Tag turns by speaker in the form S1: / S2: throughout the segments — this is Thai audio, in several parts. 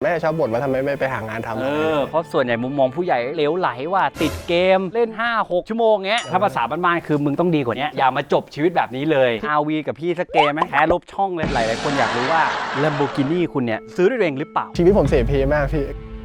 S1: ม่ชอบบ่นว่าทำไมไม่ไปหางานทำ
S2: เพราะส่วนใหญ่มุมมองผู้ใหญ่เหลวไหลว่าติดเกมเล่น 5-6 ชั่วโมงเงี้ยถ้าภาษาบ้านๆคือมึงต้องดีกว่านี้อย่ามาจบชีวิตแบบนี้เลย RV กับพี่สักเกมไหมแพ้ลบช่องเลยหลายๆคนอยากรู้ว่า Lamborghini คุณเนี่ยซื้อด้วยตัวเองหรือเปล่า
S1: ชีวิตผมเสเพมากพี่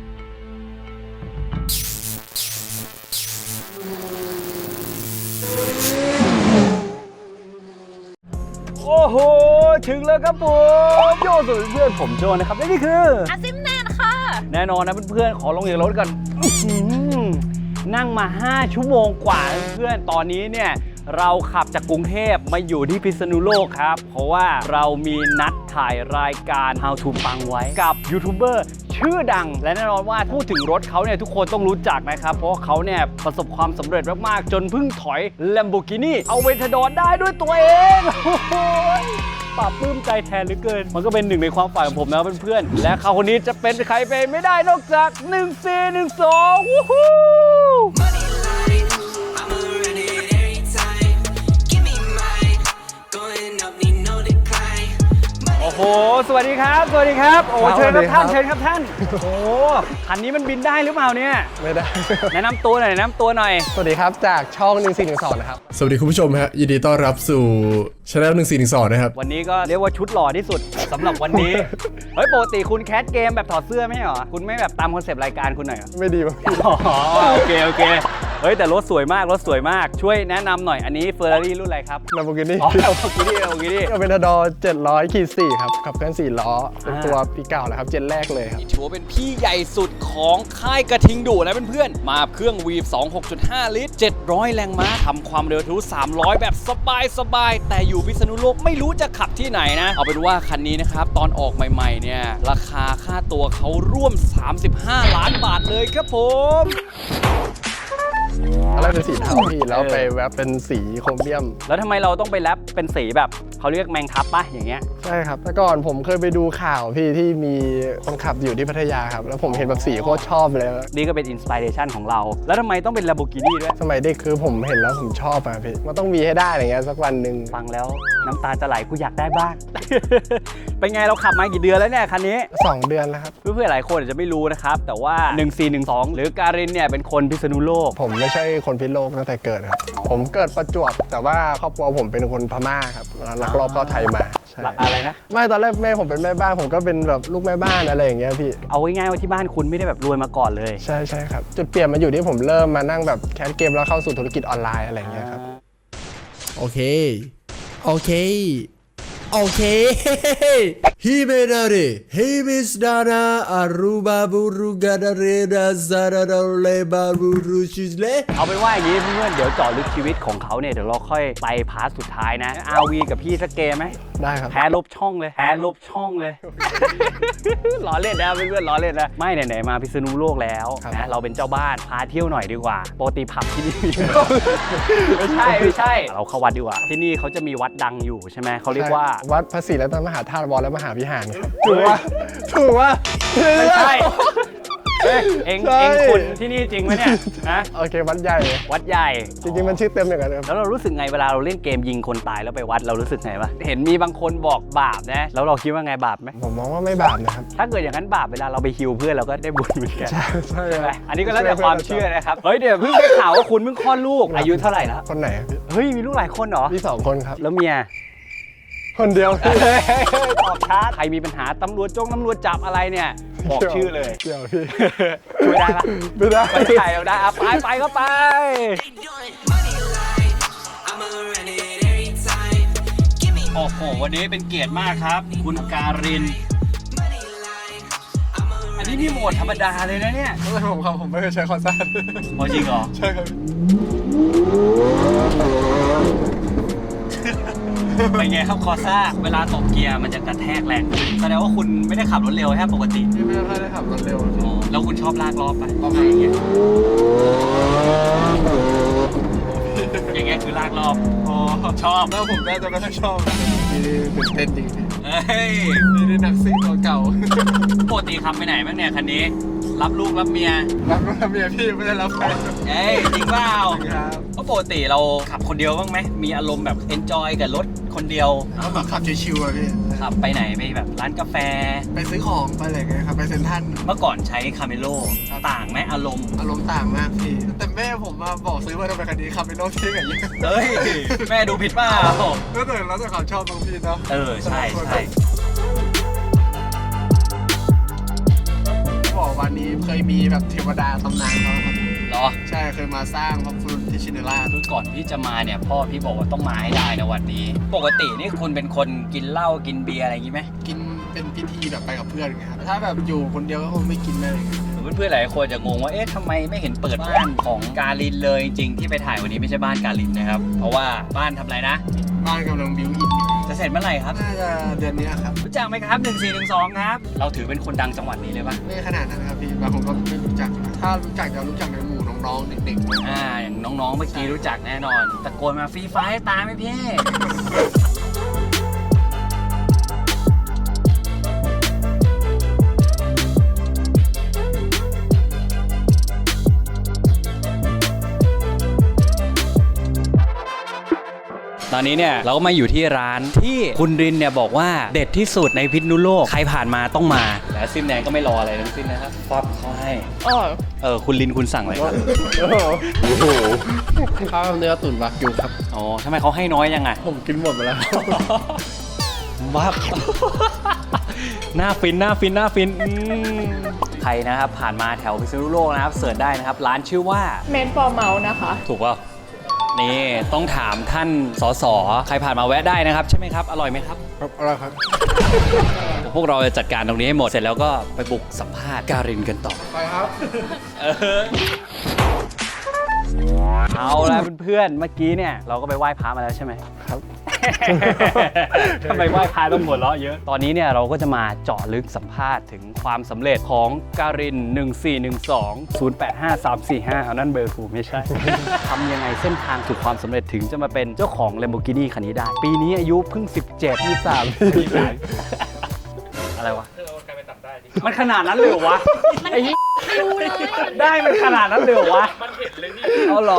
S2: โอ้โหถึงแล้วครับผมโยสุเพื่อนผมโจนะครับและนี่คือ
S3: อาซิมแนนค่ะ
S2: แน่นอนนะเพื่อนๆขอลงจากรถกันนั่งมา5 ชั่วโมงกว่าเพื่อนตอนนี้เนี่ยเราขับจากกรุงเทพมาอยู่ที่พิษณุโลกครับเพราะว่าเรามีนัดถ่ายรายการ How to ปังไว้กับยูทูบเบอร์ชื่อดังและแน่นอนว่าพูดถึงรถเขาเนี่ยทุกคนต้องรู้จักนะครับเพราะเขาเนี่ยประสบความสำเร็จมากๆจนเพิ่งถอย Lamborghini Aventador ได้ด้วยตัวเองปลาบปลื้มใจแทนเหลือเกินมันก็เป็นหนึ่งในความฝันของผมนะเพื่อนๆและเขาคนนี้จะเป็นใครไปไม่ได้นอกจาก1412วู้ฮู้โอ้โหสวัสดีครับสวัสดีครับโอ้เชิญครับท่านเชิญครับท่านโอ้โหคันนี้มันบินได้หรือเปล่าเนี่ย
S1: ไม่ได้
S2: แนะนำตัวหน่อยแนะนำตัวหน่อย
S1: สวัสดีครับจากช่อง1412นะครับ
S4: สวัสดีคุณผู้ชมฮะยินดีต้อนรับสู่ช่อง1412นะครับ
S2: วันนี้ก็เรียกว่าชุดหล่อที่สุดสำหรับวันนี้เฮ้ยปกติคุณแคสเกมแบบถอดเสื้อไม่ใช่เหรอคุณไม่แบบตามคอนเซปต์รายการคุณหน่อยเหรอ
S1: ไม่ดีมั้ง
S2: อ๋อโอเคเฮ้ยแต่รถสวยมากรถสวยมากช่วยแนะนำหน่อยอันนี้เฟอร์รารี่รุ่นอะไรครับ
S1: Lamborghini
S2: Lamborghini
S1: Aventador 700/4ครับขับเคลื่อน4 ล้อเป็นตัวปีเก่าแล้วครับเจนแรกเลยครับ
S2: ถือว่าเป็นพี่ใหญ่สุดของค่ายกระทิงดุนะเพื่อนๆมาเครื่อง Weave 2.6.5 ลิตร700 แรงม้าทำความเร็วทะลุ300แบบสบายแต่อยู่พิษณุโลกไม่รู้จะขับที่ไหนนะเอาเป็นว่าคันนี้นะครับตอนออกใหม่ๆเนี่ยราคาค่าตัวเขาร่วม35 ล้านบาทเลยครับผม
S1: อะไรเป็นสีเทาพี่แล้วไปแวบเป็นสีโครเมียม
S2: แล้วทำไมเราต้องไปแรปเป็นสีแบบเขาเรียกแมงทับป่ะอย่างเงี้ย
S1: ใช่ครับแต่ก่อนผมเคยไปดูข่าวพี่ที่มีคนขับอยู่ที่พัทยาครับแล้วผมเห็นแบบสีโคตรชอบเลย
S2: นี่ก็เป็นอินสปิเรชันของเราแล้วทำไมต้องเป็น Lamborghini ด้วย
S1: สมัยเด็กคือผมเห็นแล้วผมชอบอะพี่มันต้องมีให้ได้อะไรเงี้ยสักวันหนึ่ง
S2: ฟังแล้วน้ำตาจะไหลกูอยากได้บ้าง เป็นไงเราขับมากี่เดือนแล้วเนี่ยคันนี้
S1: 2 เดือนแล้วครับ
S2: เพื่อนๆหลายคนอาจจะไม่รู้นะครับแต่ว่า1412หรือการินเนี่ยเป็นคนพิษณุโลก
S1: ผมไม่ใช่คนพิษณุโลกตั้งแต่เกิดครับผมเกิดประจวบแต่ว่าครอบครัวผมเป็นคนพม่าครับลักลอบเข้าไทยมา
S2: อะไรนะ
S1: ไม่ตอนแรกแม่ผมเป็นแม่บ้านผมก็เป็นแบบลูกแม่บ้านอะไรอย่างเงี้ยพี่
S2: เอาง่ายๆว่าที่บ้านคุณไม่ได้แบบรวยมาก่อนเลย
S1: ใช่ครับจุดเปลี่ยนมาอยู่ที่ผมเริ่มมานั่งแบบแคสเกมแล้วเข้าสู่ธุรกิจออนไลน์อะไรอย่างเงี้ยครับ
S4: โอเคฮิเมนาเรฮิมิสดานาอารูบาบูรุกาดาเรดาซาราเลบาบูรุชิเล
S2: เอาเป็นว่าอย่างนี้เพื่อนๆเดี๋ยวเจาะลึกชีวิตของเขาเนี่ยเดี๋ยวเราค่อยไปพาร์ทสุดท้ายนะ RV กับพี่สักเกมไหม
S1: ได้ครับ
S2: แพ้ลบช่องเลยล้อเล่นนะเพื่อนๆล้อเล่นนะไม่ไหนๆมาพิษณุโลกแล้วนะเราเป็นเจ้าบ้านพาเที่ยวหน่อยดีกว่าปกติผับที่นี่ไม่ใช่เราเข้าวัดดีกว่าที่นี่เขาจะมีวัดดังอยู่ใช่ไหมเขาเรียกว่า
S1: วัดพระศรีรัตนมหาธาตุวรและมหาวิหารครับถูกว่า
S2: ไม่ใช่เอ็งคุณที่นี่จริงไหมเนี่ยนะ
S1: โอเควัดใหญ่จริงๆมันชื่อเต็มอย่างนั้น
S2: แล้วเรารู้สึกไงเวลาเราเล่นเกมยิงคนตายแล้วไปวัดเรารู้สึกไงวะเห็นมีบางคนบอกบาปนะแล้วเราคิดว่าไงบาปไหม
S1: ผมมองว่าไม่บาปนะครับ
S2: ถ้าเกิดอย่างนั้นบาปเวลาเราไปฮิวเพื่อนเราก็ได้บุญเหมือนกัน
S1: ใช่
S2: ไหมอันนี้ก็แล้วแต่ความเชื่อนะครับเฮ้ยเดี๋ยวเพิ่งได้ข่าวว่าคุณเพิ่งคลอดลูกอายุเท่าไหร่แล้ว
S1: คนไหน
S2: เฮ้ยมีลูกหลายคนเหรอ
S1: มี2 คนครับ
S2: แล้วเมีย
S1: คนเดียว
S2: ตอบช้าใครมีปัญหาตำรวจจับอะไรเนี่ยบอกชื่อเลย
S1: เดี๋ยวพี่
S2: ช่วยได้ปะ
S1: ไม่ได้
S2: ไม่ใช่เอาได้ไปก็ไปโอ้โหวันนี้เป็นเกียรติมากครับคุณการินอันนี้นี่โหมดธรรมดาเลยนะเนี่ย
S1: ผมไม่เคยใช้คอนซ่า
S2: จริงเหรอ
S1: ใช่ครับ
S2: เป็นไงครับคอซ่าเวลาตบเกียร์มันจะกระแทกแรงแสดงว่าคุณไม่ได้ขับรถเร็วใช่ปกติ
S1: ไม่ได้ขับรถเร็ว
S2: แล้วคุณชอบลากรอบปะ
S1: ประมาณอย่างเงี้
S2: ยคือลากรอบชอบ
S1: แล้วผมน่าจะไม่ค่อยชอบตื่นเต้นจริง
S2: นี่
S1: นักซิ่งเก่า
S2: ปกติขับไปไหนบ้างเนี่ยคันนี้รับลูกรับเมีย
S1: พี่ไม่ได้รับแฟน
S2: จริงเปล่าเพราะปกติเราขับคนเดียวบ้างไหมมีอารมณ์แบบเอนจอยกับรถคนเดียว
S1: ขับชิวๆอะพี่
S2: ขขับไปไหนไปแบบร้านกาแฟ
S1: ไปซื้อของไปอะไรเงี้ยครับไปเซ็นทรัล
S2: เมื่อก่อนใช้คาเมโลต่างไหมอารมณ์
S1: อารมณ์ต่างมากพี่แต่แม่ผมมาบอกซื้อมาทำไมคันนี้ขับไปโน่นที่ไหนเยอะ
S2: เฮ้ย แม่ดูผิดเปล่า
S1: แล้วแต่ความชอบบางพี่เนาะ
S2: ใช่ใช่
S1: บอกวันนี้เคยมีแบบเทวดาตำนานเขาครับ
S2: เหรอ
S1: ใช่เคยมาสร้างพระพุทธที่ชินราช
S2: คือก่อนพี่จะมาเนี่ยพ่อพี่บอกว่าต้องมาให้ได้นะวันนี้ ปกตินี่คุณเป็นคนกินเหล้ากินเบียร์อะไรอย่างงี้ไหม
S1: กินเป็นพิธีแบบไปกับเพื่อนไงครับถ้าแบบอยู่คนเดียวก็คงไม่กินเลยครับ
S2: เพื่อนๆหลายคนจะงงว่าเอ๊ะทำไมไม่เห็นเปิดบ้านของกาลินเลยจริงๆที่ไปถ่ายวันนี้ไม่ใช่บ้านกาลินนะครับเพราะว่าบ้านทำอะไรนะ
S1: บ้านกำลังบิวอินอยู่
S2: จะเสร็จเมื่อไหร่ครับ
S1: น่าจะเดือนนี้ครับ
S2: รู้จักไหมครับ1412ครับเราถือเป็นคนดังจังหวัดนี้เลยป่ะ
S1: ไม่ขนาดนั้นครับพี่บางคนก็ไม่รู้จักถ้ารู้จักจะรู้จักในหมู่น้องๆเด็กๆ
S2: อย่างน้องๆเมื่อกี้รู้จักแน่นอนตะโกนมาฟรีไฟตามไหมพี่ตอนนี้เนี่ยเราก็มาอยู่ที่ร้านที่คุณรินเนี่ยบอกว่าเด็ดที่สุดในพิษณุโลกใครผ่านมาต้องมาและซิมแดงก็ไม่รออะไรทั้งสิ้นนะครับป๊อปเขาให้คุณรินคุณสั่งอะไรครับ
S1: โอ้โหข้าวเนื้อตุ๋นวากิวครับ
S2: อ๋อทำไมเขาให้น้อยยังไง
S1: ผมกินหมดไปแล้ว
S2: วับ หน้าฟินหน้าฟินหน้าฟินใครนะครับผ่านมาแถวพิษณุโลกนะครับเสิร์ชได้นะครับร้านชื่อว่า
S3: เมนฟอร์เมาส์นะคะ
S2: ถูกป่ะนี่ต้องถามท่านสสใครผ่านมาแวะได้นะครับใช่ไหมครับอร่อยไหมครับ
S1: ครับอะไรครับ
S2: พวกเราจะจัดการตรงนี้ให้หมดเสร็จแล้วก็ไปบุกสัมภาษณ์การินกันต่อ
S1: ไปครับ
S2: เอาละเพื่อนๆเมื่อกี้เนี่ยเราก็ไปไหว้พระมาแล้วใช่ไหม
S1: ครับ
S2: ทำไมไหว้พระต้องหัวเราะเยอะตอนนี้เนี่ยเราก็จะมาเจาะลึกสัมภาษณ์ถึงความสำเร็จของการิน1412 085345เอานั่นเบอร์กูไม่ใช่ ทำยังไงเส้นทางสู่ความสำเร็จถึงจะมาเป็นเจ้าของ Lamborghini คันนี้ได้ ปีนี้อายุเพิ่ง 17 23 อะไรวะมันขนาดนั้นเลยเหรอวะไอ้เหี้ยได้มันขนาดนั้นเลยเหรอวะมันเห็นเลยนี่เอาหรอ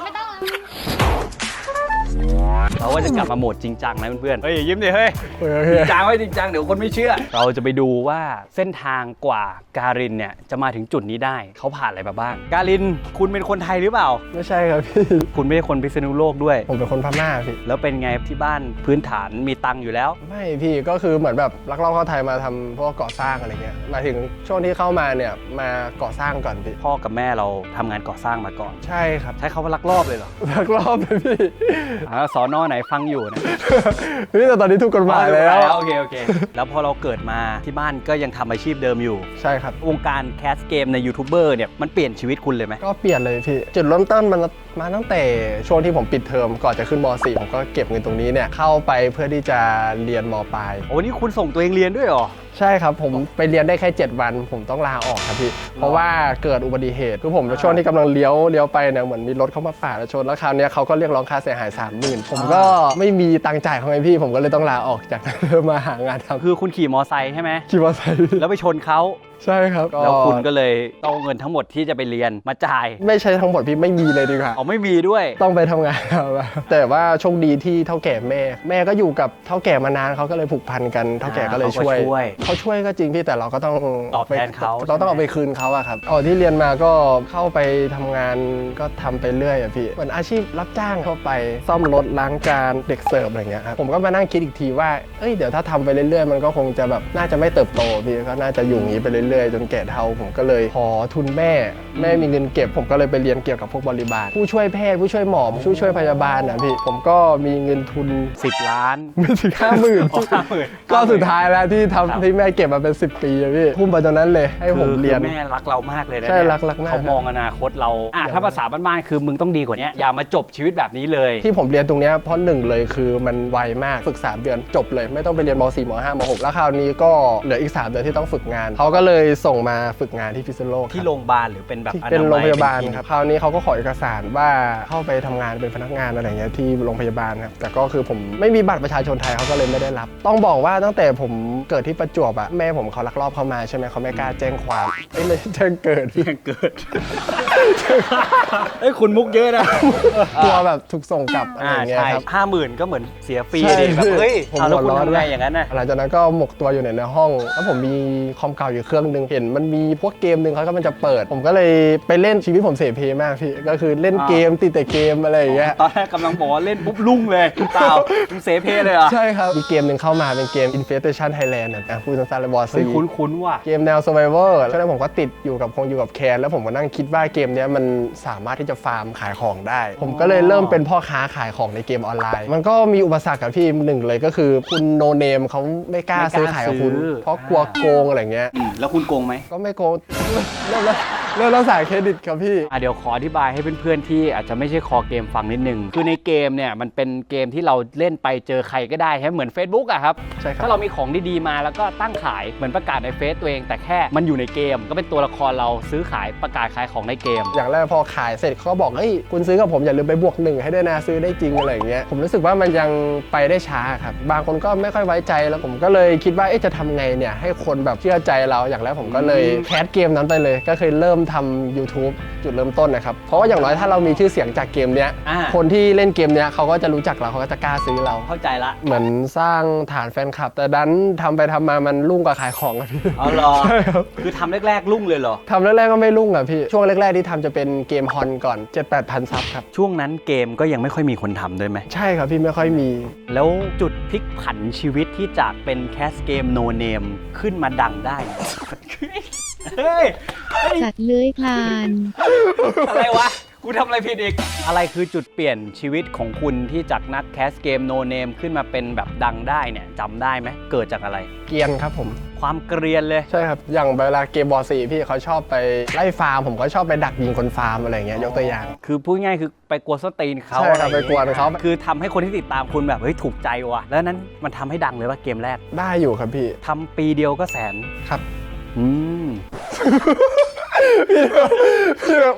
S2: เราก็จะกลับมาโหมดจริงจังนะเพื่อนๆเฮ้ยยิ้มดิเฮ้ยจริงจังไว้จริงจังเดี๋ยวคนไม่เชื่อเราจะไปดูว่าเส้นทางกว่าการินเนี่ยจะมาถึงจุดนี้ได้เขาผ่านอะไรมาบ้างการินคุณเป็นคนไทยหรือเปล่า
S1: ไม่ใช่ครับพี่
S2: คุณไม่ใช่คนพิษณุโลกด้วย
S1: ผมเป็นคนพม่าพี่
S2: แล้วเป็นไงที่บ้านพื้นฐานมีตังค์อยู่แล้ว
S1: ไม่พี่ก็คือเหมือนแบบลักลอบเข้าไทยมาทำพวกก่อสร้างอะไรเงี้ยหมายถึงช่วงที่เข้ามาเนี่ยมาก่อสร้างก่อนพี่
S2: พ่อกับแม่เราทำงานก่อสร้างมาก่อน
S1: ใช่ครับ
S2: ใช้คำว่าลักลอบเลยเหรอ
S1: ลักลอบเลยพี่
S2: สอนอไหนฟังอยู่นะ
S1: พี่แต่ตอนนี้ถูกกฎหมายแล้ว
S2: โอเคโอเคแล้วพอเราเกิดมาที่บ้านก็ยังทำอาชีพเดิมอยู่
S1: ใช่ครับ
S2: วงการแคสเกมในยูทูบเบอร์เนี่ยมันเปลี่ยนชีวิตคุณเลยไหม
S1: ก็เปลี่ยนเลยพี่จุดเริ่มต้นมันมาตั้งแต่ช่วงที่ผมปิดเทอมก่อนจะขึ้นม .4 ผมก็เก็บเงินตรงนี้เนี่ยเข้าไปเพื่อที่จะเรียนมปลาย
S2: โอ้นี่คุณส่งตัวเองเรียนด้วยเหรอ
S1: ใช่ครับผมไปเรียนได้แค่ 7 วันผมต้องลาออกครับพี่เพราะว่าเกิดอุบัติเหตุคือผมช่วงที่กำลังเลี้ยวไปเนี่ยเหมือนมีรถเข้ามาปาดแล้วชนแล้วคราวนี้เขาก็เรียกร้องค่าเสียหาย 30,000ผมก็ไม่มีตังค์จ่ายเขาไงพี่ผมก็เลยต้องลาออกจากนั้นมาหางานทำ
S2: คือคุณขี่มอไซค์ใช่ไหม
S1: ขี่มอเตอร์ไซค์พี่
S2: แล้วไปชนเขา
S1: ใช่ครับ
S2: แล้วคุณก็เลยเอาเงินทั้งหมดที่จะไปเรียนมาจ่าย
S1: ไม่ใช่ทั้งหมดพี่ไม่มีเลยดีกว่า
S2: อ๋อไม่มีด้วย
S1: ต้องไปทำงานครับแต่ว่าโชคดีที่เท่าแก่แม่ก็อยู่กับเท่าแก่มานานเขาก็เลยผูกพันกันเท่าแก่ก็เลยช่วยเขาช่วยก็จริงพี่แต่เราก็ต้อง
S2: ตอบแทนเขา
S1: เราต้องเอาไปคืนเขาอะครับที่เรียนมาก็เข้าไปทำงานก็ทำไปเรื่อยอะพี่เหมือนอาชีพรับจ้างเข้าไปซ่อมรถล้างจานเด็กเสิร์ฟอะไรเงี้ยครับผมก็มานั่งคิดอีกทีว่าเดี๋ยวถ้าทำไปเรื่อยๆมันก็คงจะแบบน่าจะไม่เติบโตพี่ก็น่าจะอยู่อย่างนี้ไปเรื่อยๆจนแก่เฒ่าผมก็เลยขอทุนแม่มีเงินเก็บผมก็เลยไปเรียนเกี่ยวกับพวกบริบาลผู้ช่วยแพทย์ผู้ช่วยหมอผู้ช่วยพยาบาลนะพี่ผมก็มีเงินทุน
S2: 10 ล้าน
S1: ไม่ถึง50,000ก็สุดท้ายแล้วที่ทำที่แม่เก็บมาเป็น10 ปีอะพี่พุ่มไปตรงนั้นเลยให้ผมเรียน
S2: แม่รักเรามากเลยนะ
S1: ใช่รักมาก
S2: เขามองอนาคตเราถ้าภาษาบ้านๆคือมึงต้องดีกว่านี้อย่ามาจบชีวิตแบบนี้เลย
S1: ที่ผมเรียนตรงนี้เพราะหนึ่งเลยคือมันไวมากฝึก3 เดือนจบเลยไม่ต้องไปเรียนม .4 ม .5 ม .6 แล้วคราวนี้ก็เหลืออีก3 เดือนที่ต้องฝึกงานเขาก็เลยเลยส่งมาฝึกงานที่พิษณุโลกครับ
S2: ที่โรงพยาบาลหรือเป็นแบบ
S1: ที่
S2: อ
S1: เป็น
S2: มั
S1: โรงพยาบาล
S2: คลินิก
S1: ครับคราวนี้เขาก็ขอเอกสารว่าเข้าไปทำงานเป็นพนักงานอะไรเงี้ยที่โรงพยาบาลครับแต่ก็คือผมไม่มีบัตรประชาชนไทยเขาก็เลยไม่ได้รับ ต้องบอกว่าตั้งแต่ผมเกิดที่ประจวบอะแม่ผมเขาลักลอบเข้ามาใช่ไหมเขาไม่กล้าแจ้งความไม่แจ้งเกิด
S2: ยังเกิด เอ้ยคุณมุกเยอะนะ
S1: กลัวแบบถูกส่งกลับอะไรอย่างเงี้ย
S2: ใช่
S1: ครับ
S2: 50,000ก็เหมือนเสียฟรี
S1: ใช่
S2: ดิแบบเฮ้ย
S1: ผม
S2: เอาแล้วคุณ
S1: หัวร้อน
S2: ทำไงอย่างนั้นน่ะ
S1: หลังจากนั้นก็หมกตัวอยู่ในห้อง แล้วผมมีคอมเก่าอยู่เครื่องนึงเห็นมันมีพวกเกมหนึ่งเขาก็มันจะเปิด ผมก็เลยไปเล่นชีวิตผมเสเพมากพี่ก็คือเล่นเกมติดแต่เกมอะไรอย่างเงี้ย
S2: ตอนแรกกำลังบอกว่าเล่นปุ๊บลุ่งเลยเปล่ามึงเสเพเลยเหรอ
S1: ใช่ครับมีเกมหนึ่งเข้ามาเป็นเกม Infestation Thailand นะพูดสั้นๆเลยบอส
S2: เฮ้ย
S1: ซี
S2: คุ้นๆว่ะ
S1: เกมแนว Survivor ช่วงนั้นผมก็ติดอยู่กับแคนแล้วผมก็นั่งคิดว่าเกมเนี้ยมันสามารถที่จะฟาร์มขายของได้ ผมก็เลยเริ่มเป็นพ่อค้าขายของในเกมออนไลน์ มันก็มีอุปสรรคกับพี่หนึ่งเลยก็คือคุณโนเนมเขาไม่กล้าซื้อขายกับคุณ เพราะกลัวโกงอะไรเงี้ย
S2: แล้วคุณโกงไหม
S1: ก็ไม่โกง เริ่มแล้วสายเครดิตครับพี่
S2: เดี๋ยวขออธิบายให้เพื่อนๆที่อาจจะไม่ใช่คอเกมฟังนิดนึงคือในเกมเนี่ยมันเป็นเกมที่เราเล่นไปเจอใครก็ได้ใช่เหมือน Facebook อะครับ
S1: ใช่ครับ
S2: ถ้าเรามีของดีๆมาแล้วก็ตั้งขายเหมือนประกาศในเฟซตัวเอง แต่แค่มันอยู่ในเกมก็เป็นตัวละครเราซื้อขายประกาศขายของในเกม
S1: อย่างแรกพอขายเสร็จเขาก็บอกเฮ้ยคุณซื้อกับผมอย่าลืมไปบวก1ให้ด้วยนะซื้อได้จริงอะไรอย่างเงี้ยผมรู้สึกว่ามันยังไปได้ช้าครับบางคนก็ไม่ค่อยไว้ใจแล้วผมก็เลยคิดว่าจะทำไงเนี่ยให้คนแบบเชื่อใจเราอย่างแรกผมก็เลยแคสเกมนั้นไปเลยก็เคยเริ่มทำ YouTube จุดเริ่มต้นนะครับเพราะว่าอย่างน้อยถ้าเรามีชื่อเสียงจากเกมเนี้ย
S2: อ่า
S1: คนที่เล่นเกมเนี้ยเขาก็จะรู้จักเราเขาก็จะกล้าซื้อเรา
S2: เข้าใจละ
S1: เหมือนสร้างฐานแฟนคลับ แต่ดันทำไปทำมามันรุ่งกว่าขายของอะพี่
S2: เอาเหรอ
S1: ใช่ครับ
S2: คือทำแรกๆรุ่งเลยเหรอ
S1: ทำแรกๆก็ไม่รุ่งอะพี่ช่วงแรกๆที่ทำจะเป็นเกมฮอนก่อน 7-8 พันซับครับ
S2: ช่วงนั้นเกมก็ยังไม่ค่อยมีคนทำด้วยไหม
S1: ใช่ครับพี่ไม่ค่อยมี
S2: แล้วจุดพลิกผันชีวิตที่จากเป็นแคสเกมโนเนมขึ้นมาดังได้เนี่ยเฮ้ย
S3: สัตว์เลื้อยคลาน
S2: อะไรวะ กูทำอะไรผิดอีก อะไรคือจุดเปลี่ยนชีวิตของคุณที่จากนักแคสเกมโนเนมขึ้นมาเป็นแบบดังได้เนี่ยจำได้ไหมเกิดจากอะไร
S1: เกรียนครับผม
S2: ความเกรียนเลย
S1: ใช่ครับอย่างเวลาเกมบอลสีพี่เขาชอบไปไล่ฟาร์มผมก็ชอบไปดักยิงคนฟาร์มอะไรอย่างเงี้ยยกตัวอย่าง
S2: คือพูดง่ายคือไปกวนส้นตีนเขา
S1: ใช่ครับ
S2: อะรอย่าง
S1: ไปกวนเขา
S2: คือทำให้คนที่ติดตามคุณแบบเฮ้ยถูกใจว่ะ แล้วนั้นมันทำให้ดังเลยว่าเกมแรก
S1: ได้อยู่ครับพี่
S2: ทำปีเดียวก็แสน
S1: ครับ
S2: อืม
S1: พี่แบบ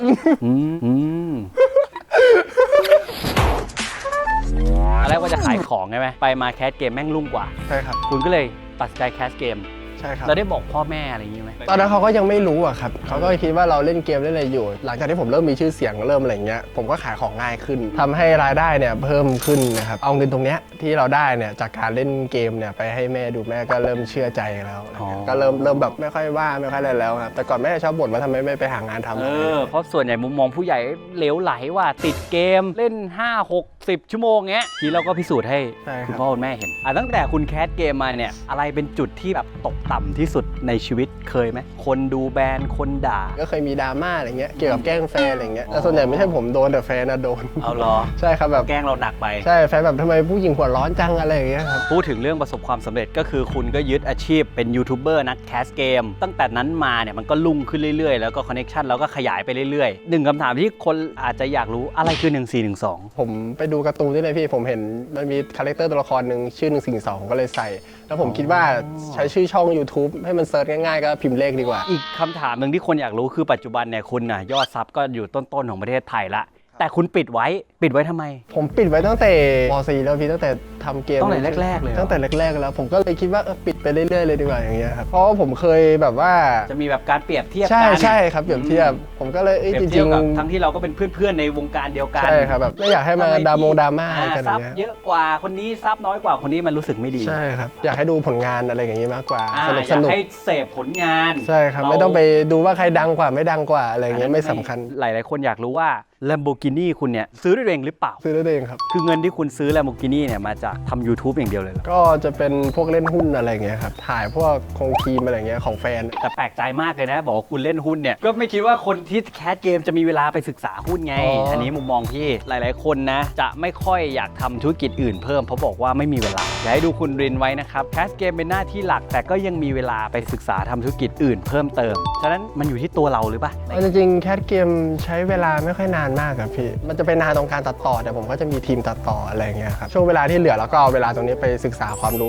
S2: อะไรว่าจะขายของใช่ไหมไปมาแคสเกมแม่งรุ่งกว่า
S1: ใช่ครับ
S2: คุณก็เลยตัดสินใจแคสเกม
S1: ใช่ครับ
S2: เราได้บอกพ่อแม่อะไรอย่างงี้ไหม
S1: ตอนนั้นเขาก็ยังไม่รู้อะครับเขาก็คิดว่าเราเล่นเกมเล่นอะไรอยู่ หลังจากที่ผมเริ่มมีชื่อเสียงเริ่มอะไรเงี้ยผมก็ขายของง่ายขึ้นทำให้รายได้เนี่ยเพิ่มขึ้นนะครับเอาเงินตรงเนี้ยที่เราได้เนี่ยจากการเล่นเกมเนี่ยไปให้แม่ดูแม่ก็เริ่มเชื่อใจแล้วนะครับก็เริ่มแบบไม่ค่อยว่าไม่ค่อยอะไรแล้วครับแต่ก่อนแม่ชอบบ่นว่าทำไมไม่ไปหางานทำ
S2: เพราะส่วนใหญ่มุมมองผู้ใหญ่เหลวไหลว่าติดเกมเล่น 5-6-10 ชั่วโมงเงี้ยทีเราก็พิสูจน์ให้
S1: ใช่ครับ
S2: คุณพ่อคุณแม่เห็นตั้งแต่คุณแคสเกมมาเนี่ยอะไรเป็นจุดที่แบบตกต่ำที่สุดในชีวิตเคยไหมคนดูแบนคนด่า
S1: ก็เคยมีดราม่าอะไรเงี้ยเกี่ยวกับแกล้งแฟนอะไรเงี้ยแต่ส่วนใหญ่ไม่ใช่ผมโดนแต่แฟนนะโดน
S2: เอาเหรอ
S1: ใช่ครับแบบ
S2: แกล้งเราหนักไป
S1: ใช่แฟนแบบทำไมผู้หญิงหัวร้อนจังอะไรอย่างเงี้ยครับ
S2: พูดถึงเรื่องประสบความสำเร็จก็คือคุณก็ยึดอาชีพเป็นยูทูบเบอร์นักแคสเกมตั้งแต่นั้นมาเนี่ยมันก็ลุ่งขึ้นเรื่อยๆ แล้วก็คอนเนคชันเราก็ขยายไปเรื่อยๆหนึ่งคำถามที่คนอาจจะอยากรู้อะไรคือ 1412
S1: ผมไปดูการ์ตูนที่เลยพี่ผมเห็นมันมีคาแรคเตอร์ตัวละครหนึ่งชื่อ142ผมก็เลยใส่ แล้วผมคิดว่าใช้ชื่อช่อง YouTube ให้มันเซิร์ชง่ายๆก็พิมพ์เลขดีกว่า
S2: อีกคำถามหนึ่งที่คนอยากรู้คือปัจจุบันเนี่ยคุณน่ะยอดซับก็อยู่ต้นๆของประเทศไทยละแต่คุณปิดไว้ทำไม
S1: ผมปิดไว้ตั้งแต่ป .4 แล้วพี่ตั้งแต่ทำเกม
S2: ตั้งแต่แรกๆเลยเหรอ
S1: ตั้งแต่แรกๆแล้วผมก็เลยคิดว่าปิดไปเรื่อยๆเลยดีกว่าอย่างเงี้ยครับเพราะว่าผมเคยแบบว่า
S2: จะมีแบบการเปรียบเทียบ
S1: ใช่
S2: กัน
S1: ใช่ครับเปรียบเทียบผมก็เลย
S2: เปรียบ
S1: จ
S2: เที
S1: ริ
S2: ยบ
S1: ง
S2: กับทั้งที่เราก็เป็นเพื่อนๆในวงการเดียวกัน
S1: ใช่ครับแบบไม่อยากให้มาดราม่ากันอ
S2: ซั
S1: ย่า
S2: บ
S1: งเงี้ย
S2: เยอะกว่าคนนี้ซับน้อยกว่าคนนี้มันรู้สึกไม่ดี
S1: ใช่ครับอยากให้ดูผลงานอะไรอย่างงี้มากกว่า
S2: อ่า
S1: สนุก
S2: อ
S1: ส
S2: ยาก
S1: นุก
S2: ให้เสพผลงาน
S1: ใช่ครับไม่ต้องไปดูว่าใครดังกว่าไม่ดังกว่าอะไรอย่างเงี้ยไม่สำคัญ
S2: หลายๆคนอยากรู้ว่า Lamborghini คุณเนี่ยซื้อด้วยตัวเองหรือเปล่า
S1: ซื้อได้เองครับ
S2: คือเงินที่คุณซื้อ Lamborghini เนี่ยมาจากทำ YouTube อย่างเดียวเลยเหรอ
S1: ก็จะเป็นพวกเล่นหุ้นอะไรอย่างเงี้ยครับถ่ายพวกคงครีมอะไรอย่างเงี้ยของแฟน
S2: แต่แปลกใจมากเลยนะ บอกว่าคุณเล่นหุ้นเนี่ย ก็ไม่คิดว่าคนที่แคสเกมจะมีเวลาไปศึกษาหุ้นไง อันนี้มุมมองที่หลายๆคนนะ จะไม่ค่อยอยากทำธุรกิจอื่นเพิ่มเพราะบอกว่าไม่มีเวลาอยากให้ดูคุณรินไว้นะครับแคสเกมเป็นหน้าที่หลัก แต่ก็ยังมีเวลาไปศึกษาทำธุรกิจอื่นเพิ่มเติมฉะนั้นมันอยู่ที่ตัวเราหรือเปล่า
S1: จริงๆแคทเกมใช้เวลาไม่ค่อยนานมากครับพี่มันจะไปนานตรงการตัดต่อแต่ผมก็จะมีทีมตัดต่ออะไรอย่างเงี้ยครับช่วงเวลาที่เหลือแล้วก็เอาเวลาตรงนี้ไปศึกษาความรู้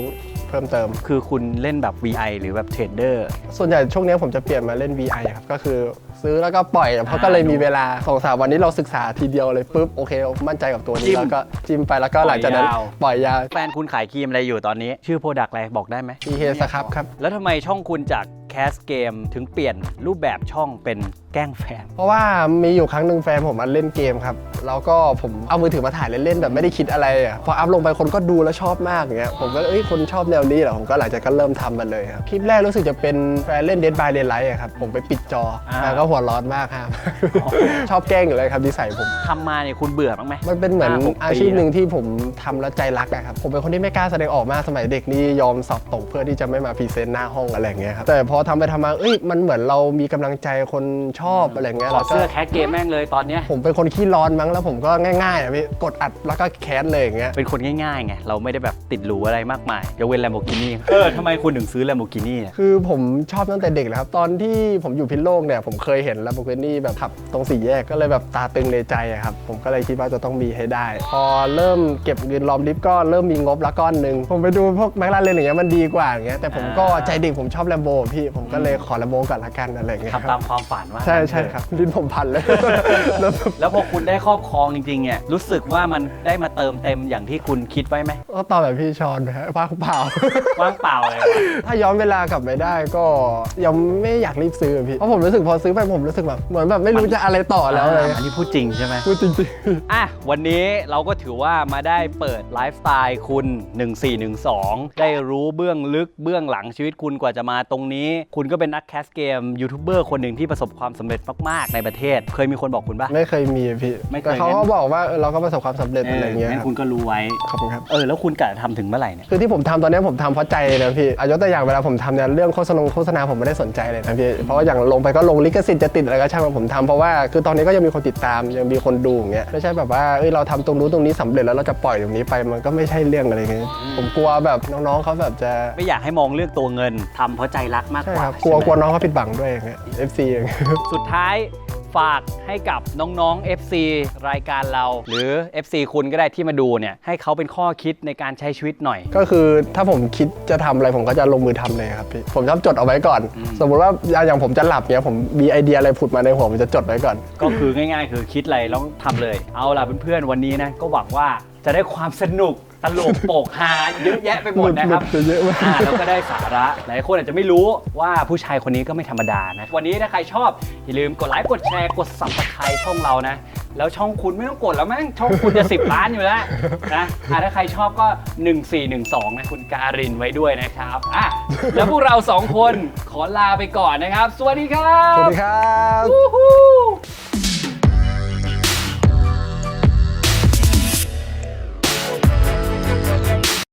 S1: เพิ่มเติม
S2: คือคุณเล่นแบบ VI หรือแบบเทรดเดอร์
S1: ส่วนใหญ่ช่วงนี้ผมจะเปลี่ยนมาเล่น VI ครับก็คือซื้อแล้วก็ปล่อยเพราะก็เลยมีเวลา2-3วันนี้เราศึกษาทีเดียวเลยปุ๊บโอเคมั่นใจกับตัว
S2: จิ้
S1: นี้
S2: ม
S1: แล้วก็จิ้มไปแล้วก็หลังจากนั้น
S2: ปล่อยยาว
S1: ปล่อยยาว
S2: แฟนคุณขายครีมอะไรอยู่ตอนนี้ ชื่อโปรดักต์อะไรบอกได้ไหม
S1: PK สครับครับ
S2: แล้วทำไมช่องคุณจากแคสเกมถึงเปลี่ยนรูปแบบช่องเป็นแกล้งแฟน
S1: เพราะว่ามีอยู่ครั้งหนึ่งแฟนผมมาเล่นเกมครับแล้วก็ผมเอามือถือมาถ่ายเล่นๆแบบไม่ได้คิดอะไรอ่ะพออัพลงไปคนก็ดูแล้วชอบมากอย่างเงี้ยผมก็คนชอบแนวนี้เหรอผมก็หลังจากก็เริ่มทำมันเลยครับคลิปแรกรู้สึกจะเป็นแฟนเล่น Dead by Daylight อะครับผมไปปิดจอแล้วก็หัวร้อนมากครับ ชอบแกล้งอยู่เลยครับนิสัยผม
S2: ทำมาเนี่ยคุณเบื่อบ้างไหม
S1: มันเป็นเหมือน
S2: 5-6
S1: อาชีพหนึ่งที่ผมทำแล้วใจรักอะครับผมเป็นคนที่ไม่กล้าแสดงออกมากสมัยเด็กนี่ยอมสอบตกเพื่อที่จะไม่มาพรีเซนต์หน้าห้องอะไรอย่างเงี้ยครับแต่พอทำไปทำมามันเหมือนเรามีกำลังใจคนชอบอะไรอย่างเงี้ย
S2: ถอด
S1: แล้วก็
S2: เสื้อแคสเกมแม่งเลยตอนเนี้ย
S1: ผมเป็นคนขี้ร้อนมั้งแล้วผมก็ง่ายๆอะพี่กดอัดแล้วก็แคสเลยอย่างเงี้ย
S2: เป็นคนง่ายๆไงเราไม่ได้แบบติดหรูอะไรมากมายยกเว้น Lamborghini ทำไมคุณถึงซื้อ Lamborghini เนี่ย
S1: คือผมชอบตั้งแต่เด็กเลยครับตอนที่ผมอยู่พิษณุโลกเนี่ยผมเคยเห็น Lamborghini แบบขับตรงสี่แยกก็เลยแบบตาตึงในใจอะครับผมก็เลยคิดว่าจะต้องมีให้ได้ พอเริ่มเก็บเงินรอมริบก็เริ่มมีงบละก้อนหนึ่งผมไปดูพวกแมคลาเรนอย่างเงี้ยมันดีกว่าอย่างเงี้ยแต่ผมก็ใจเด็กผมชอบ Lambo พี่ผมก็เลยขอ Lambo ก่อนละกันอะไรอย่างเงี้ย
S2: ทำตามความฝันว่า
S1: ใช่ครับลิ้นผมพันเลย แล้ว
S2: แล้วพอคุณได้ครอบครองจริงๆเนี่ยรู้สึกว่ามันได้มาเติมเต็มอย่างที่คุณคิดไว้ไหม
S1: ก็ตอบแบบพี่ชอนนะฮะว่างเปล่า
S2: ว่างเปล่าเลยวะ
S1: ถ้าย้อนเวลากลับไปได้ก็ยังไม่อยากรีบซื้ออะพี่เพราะผมรู้สึกพอซื้อไปผมรู้สึกแบบเหมือนแบบไม่รู้จะอะไรต่อแล้วอะไร
S2: อันนี้พูดจริงใช่ไหม
S1: พูดจริง
S2: อ่ะวันนี้เราก็ถือว่ามาได้เปิดไลฟ์สไตล์คุณ 1412 ได้รู้เบื้องลึกเบื้องหลังชีวิตคุณกว่าจะมาตรงนี้ คุณก็เป็นนักแคสเกมยูทูบเบอร์คนหนึ่งที่ประสบความสำเร็จมากๆในประเทศ เคยมีคนบอกคุณปะ
S1: ไม่เคยมีอะพี่
S2: ไม่เคย
S1: แต่เขาก็บอกว่าเราก็ประสบความสำเร็จอะไรเงี้ย
S2: งั้นคุณก็รู้ไว้
S1: ขอบคุณครับ
S2: แล้วคุณกะจะทำถึงเมื่อไหร่เนี่ย
S1: คือที่ผมทำตอนนี้ผมทำเพราะใจเลยนะพี่ยกตัวอย่างเวลาผมทำเนี่ยเรื่องโฆษณาผมไม่ได้สนใจเลยนะพี่เพราะว่าอย่างลงไปก็ลงลิขสิทธิ์จะติดอะไรก็ช่างผมทำเพราะว่าคือตอนนี้ก็ยังมีคนติดตามยังมีคนดูอย่างเงี้ยไม่ใช่แบบว่าเราทำตรงนู้นตรงนี้สำเร็จแล้วเราจะปล่อยตรงนี้ไปมันก็ไม่ใช่เรื่องอะไรเงี้ยผมกลัวแบบน้องๆเขาแบบจะ
S2: ไม่อยากให้มองเรื่องตัวเงินทำเพราะใจรักมาก
S1: ใช่
S2: กว่า
S1: ครับ
S2: ใช่ไหม
S1: กลัวน้องเขาผิดหวังด้วยอย่างเงี้ย FC อย่างเงี้ย
S2: สุดท้ายฝากให้กับน้องๆ FC รายการเรา หรือ FC คุณก็ได้ที่มาดูเนี่ยให้เขาเป็นข้อคิดในการใช้ชีวิตหน่อย
S1: ก็คือถ้าผมคิดจะทำอะไรผมก็จะลงมือทำเลยครับพี่ผมชอบจดเอาไว้ก่อน สมมุติว่าอย่างผมจะหลับเนี่ยผมมีไอเดียอะไรผุดมาในหัวผมจะจดไว้ก่อน
S2: ก็คือง่ายๆ คือคิดอะไรแล้วทำเลย เอาล่ะเพื่อนๆ วันนี้นะก็หวังว่าจะได้ความสนุกตลกโปกฮาเยอะแยะไปหมดนะครับ
S1: หลุดเยอะมาก
S2: แล้วก็ได้สาระหลายคนอาจจะไม่รู้ว่าผู้ชายคนนี้ก็ไม่ธรรมดานะวันนี้ถ้าใครชอบอย่าลืมกดไลค์กดแชร์กด Subscribe ช่องเรานะแล้วช่องคุณไม่ต้องกดแล้วมั้งช่องคุณจะ10 ล้านอยู่แล้วนะถ้าใครชอบก็ 1412นะคุณการินไว้ด้วยนะครับแล้วพวกเรา2คนขอลาไปก่อนนะครับสวัสดีครับ
S1: สวัสดีครับ
S2: Woohoo